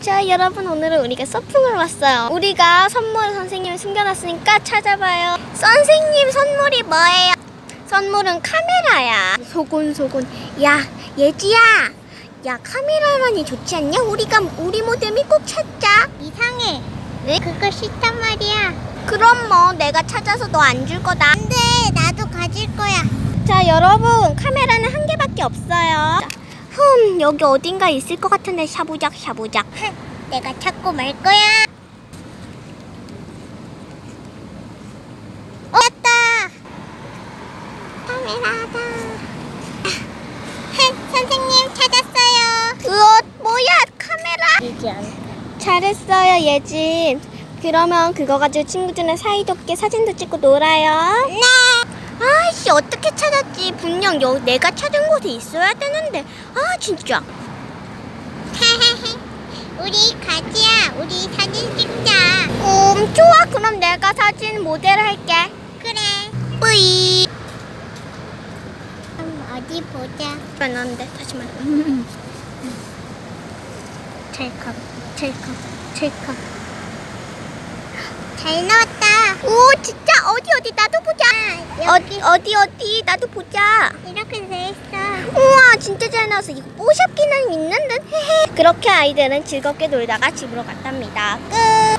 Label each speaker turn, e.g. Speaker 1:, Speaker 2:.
Speaker 1: 자 여러분, 오늘은 우리가 서핑을 왔어요. 우리가 선물을 선생님이 숨겨놨으니까 찾아봐요. 선생님, 선물이 뭐예요? 선물은 카메라야. 소곤소곤. 야 예지야, 야 카메라만이 좋지 않냐? 우리 모델이 꼭 찾자.
Speaker 2: 이상해.
Speaker 1: 네?
Speaker 2: 그거 싫단 말이야.
Speaker 1: 그럼 뭐 내가 찾아서 너 안 줄 거다.
Speaker 2: 안돼, 나도 가질 거야.
Speaker 1: 자 여러분, 카메라는 한 개밖에 없어요. 여기 어딘가 있을 것 같은데. 샤부작.
Speaker 2: 내가 찾고 말 거야. 왔다. 카메라다. 선생님 찾았어요.
Speaker 1: 으엇, 뭐야 카메라?
Speaker 2: 이지 않다.
Speaker 1: 잘했어요 예진. 그러면 그거 가지고 친구들이랑 사이좋게 사진도 찍고 놀아요.
Speaker 2: 네.
Speaker 1: 아이씨, 어떻게 찾았지? 분명 내가 찾은 곳에 있어야 되는데. 아 진짜.
Speaker 2: 우리 가지야. 우리 사진 찍자.
Speaker 1: 좋아. 그럼 내가 사진 모델 할게.
Speaker 2: 그래.
Speaker 1: 뿌이.
Speaker 2: 그럼 어디 보자.
Speaker 1: 안돼, 다시 말해.
Speaker 2: 찰칵. 잘 나왔다.
Speaker 1: 오 진짜. 어디 나도 보자. 어디 나도 보자.
Speaker 2: 이렇게 돼 있어.
Speaker 1: 우와 진짜 잘 나와서 이거 뽀샵 기능 있는 듯. 그렇게 아이들은 즐겁게 놀다가 집으로 갔답니다. 끝.